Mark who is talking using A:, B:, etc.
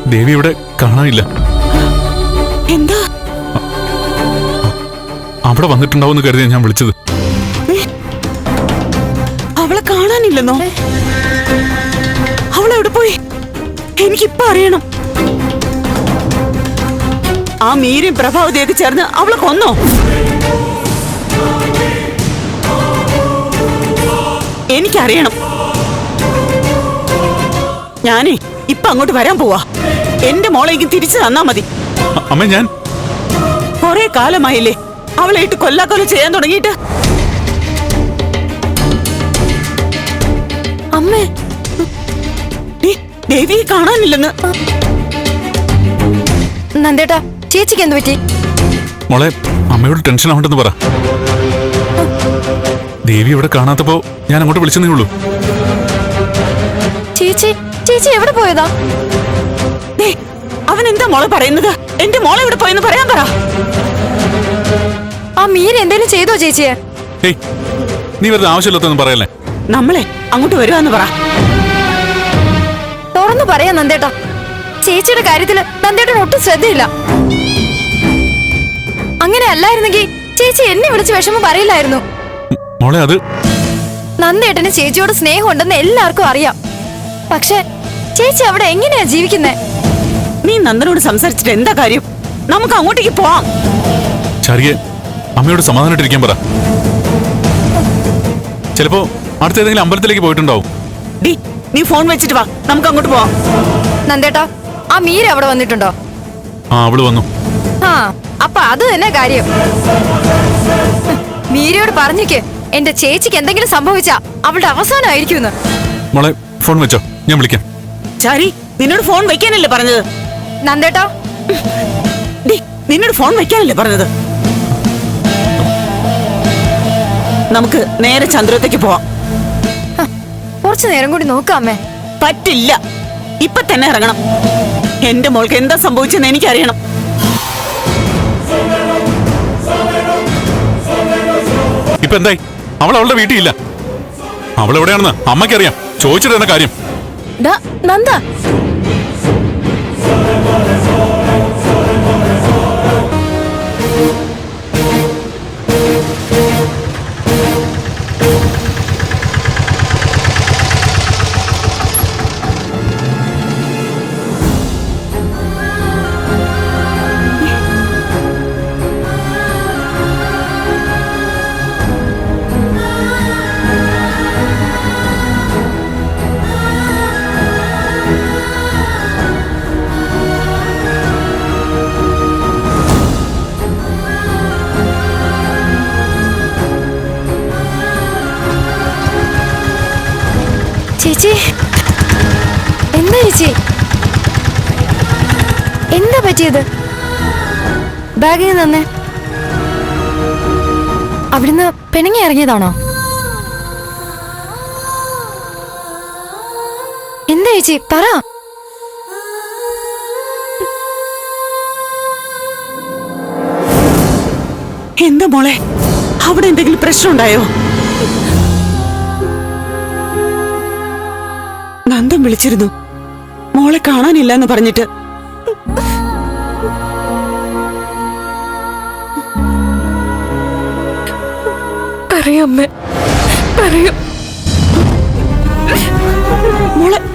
A: ദേവി ഇവിടെ കാണാനില്ല.
B: എന്താ?
A: അവിടെ വന്നിട്ടുണ്ടാവുമെന്ന് കരുതിയാ ഞാൻ വിളിച്ചത്.
B: അവളെ കാണാനില്ലെന്നോ? അവളെവിടെ പോയി? എനിക്കിപ്പ അറിയണം. ആ മീരയും പ്രഭാവതിയൊക്കെ ചേർന്ന് അവളെ കൊന്നോ? എനിക്കറിയണം. ഞാനേ ഇപ്പൊ അങ്ങോട്ട് വരാൻ പോവാ. എന്റെ മോളേക്ക് തിരിച്ചു തന്നാ മതി.
A: അമ്മ, ഞാൻ
B: കൊറേ കാലമായില്ലേ അവളെ ഇട്ട് കൊല്ലാക്കൊല ചെയ്യാൻ തുടങ്ങിയിട്ട്.
C: അമ്മേ,
B: ദേവിയെ കാണാനില്ലെന്ന്.
C: നന്ദേട്ടാ, ചേച്ചിക്ക് എന്ത് പറ്റി?
A: മോളെ, അമ്മയോട് ടെൻഷൻ ആവണ്ടെന്ന് പറ. ദേവി ഇവിടെ കാണാത്തപ്പോ ഞാൻ അങ്ങോട്ട് വിളിച്ചതേ ഉള്ളൂ.
C: ചേച്ചി ചേച്ചി എവിടെ പോയതാ?
B: അവൻ എന്താ മോളെ പറയുന്നത്? എന്റെ മോളെ എവിടെ പോയെന്ന് പറയാൻ പറ.
C: ആ മീര എന്തേലും ചെയ്തോ ചേച്ചിയെ?
A: ഏയ്, നീ വെറുതെ ആവശ്യമില്ലാത്തൊന്നും പറയല്ലേ.
B: നമ്മളെ അങ്ങോട്ട് വരുവാന്ന് പറ.
C: തുറന്നു പറയാ നന്ദേട്ടാ. ചേച്ചിയുടെ കാര്യത്തില് നന്ദേട്ടന് ഒട്ടും ശ്രദ്ധയില്ല. അങ്ങനെ അല്ലായിരുന്നെങ്കിൽ ചേച്ചി എന്നെ വിളിച്ച് വിഷമം പറയില്ലായിരുന്നു.
A: മോളെ, അത്
C: നന്ദേട്ടന് ചേച്ചിയോട് സ്നേഹമുണ്ടെന്ന് എല്ലാവർക്കും അറിയാം. പക്ഷെ ചേച്ചി അവിടെ എങ്ങനെയാ ജീവിക്കുന്നേ?
B: നീ നന്ദനോട് സംസാരിച്ചിട്ട് എന്താ കാര്യം? നമുക്ക് അങ്ങോട്ടേക്ക് പോവാം.
A: ചാരിയെ, അമ്മയോട് സമാധാനമായിട്ടിരിക്കാൻ പറ. ചിലപ്പോ അടുത്ത ഏതെങ്കിലും അമ്പലത്തിലേക്ക് പോയിട്ടുണ്ടാവും.
B: നീ ഫോൺ വെച്ചിട്ട് വാ, നമുക്ക് അങ്ങോട്ട് പോവാം.
C: നന്ദേട്ടാ, ആ മീര അവിടെ വന്നിട്ടുണ്ടോ?
A: ആ, അവള് വന്നു.
C: ആ, അപ്പൊ അത് തന്നെ കാര്യം. മീരയോട് പറഞ്ഞേക്ക് എന്റെ ചേച്ചിക്ക് എന്തെങ്കിലും സംഭവിച്ചാ അവളുടെ അവസാനമായിരിക്കും.
A: മോളെ, ഫോൺ വെച്ചോ, ഞാൻ വിളിക്കാം.
B: ചാരി, നിന്നോട് ഫോൺ വെക്കാനല്ലേ പറഞ്ഞത്?
C: നന്ദേട്ടാ,
B: നിന്നോട് ഫോൺ വെക്കാനല്ലേ പറഞ്ഞത്? നമുക്ക് നേരെ ചന്ദ്രത്തേക്ക് പോവാം.
C: കുറച്ചു നേരം കൂടി നോക്കാമേ.
B: പറ്റില്ല, ഇപ്പൊ തന്നെ ഇറങ്ങണം. എന്റെ മോൾക്ക് എന്താ സംഭവിച്ചെന്ന് എനിക്കറിയണം.
A: ഇപ്പൊ എന്തായി? അവൾ അവളുടെ വീട്ടിൽ ഇല്ല. അവൾ എവിടെയാണെന്ന് അമ്മയ്ക്കറിയാം. ചോദിച്ചിട്ട് തന്നെ കാര്യം.
C: നന്ദ, ചേച്ചി എന്താ ചേച്ചി? എന്താ പറ്റിയത്? ബാഗിൽ തന്നെ അവിടുന്ന് പെണുങ്ങി ഇറങ്ങിയതാണോ? എന്താ ചേച്ചി പറ.
B: എന്താ മോളെ, അവിടെ എന്തെങ്കിലും പ്രശ്നം ഉണ്ടായോ? നന്ദൻ വിളിച്ചിരുന്നു മോളെ കാണാനില്ല എന്ന് പറഞ്ഞിട്ട്.
C: അറിയാം,
B: മോളെ